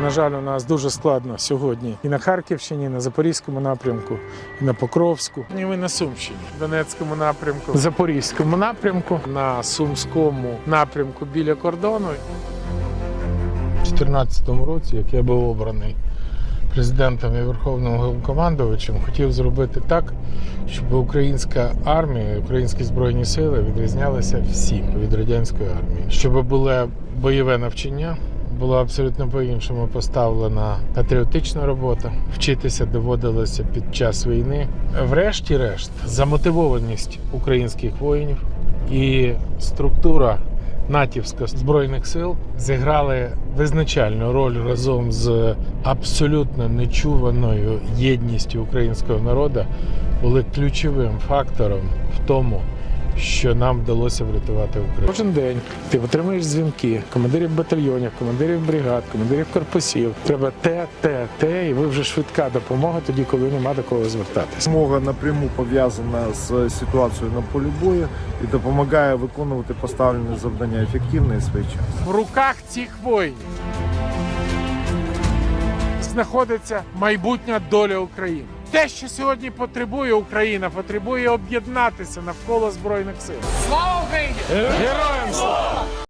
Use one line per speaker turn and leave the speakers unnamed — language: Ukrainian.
На жаль, у нас дуже складно сьогодні і на Харківщині, і на Запорізькому напрямку, і на Покровську, і на Сумщині, Донецькому напрямку, Запорізькому напрямку, на Сумському напрямку біля кордону. У 2014 році, як я був обраний президентом і Верховним Головнокомандувачем, хотів зробити так, щоб українська армія, українські Збройні Сили відрізнялися всім від радянської армії. Щоб було бойове навчання, була абсолютно по-іншому поставлена патріотична робота. Вчитися доводилося під час війни. Врешті-решт, замотивованість українських воїнів і структура натівська Збройних сил зіграли визначальну роль разом з абсолютно нечуваною єдністю українського народу, були ключовим фактором в тому, що нам вдалося врятувати Україну. Кожен день ти отримуєш дзвінки командирів батальйонів, командирів бригад, командирів корпусів. Треба те, і ви вже швидка допомога тоді, коли нема до кого звертатися.
Допомога напряму пов'язана з ситуацією на полі бою і допомагає виконувати поставлені завдання ефективно і своєчасно.
В руках цих воїнів знаходиться майбутня доля України. Те, що сьогодні потребує Україна, потребує об'єднатися навколо Збройних сил. Слава Україні! Героям слава!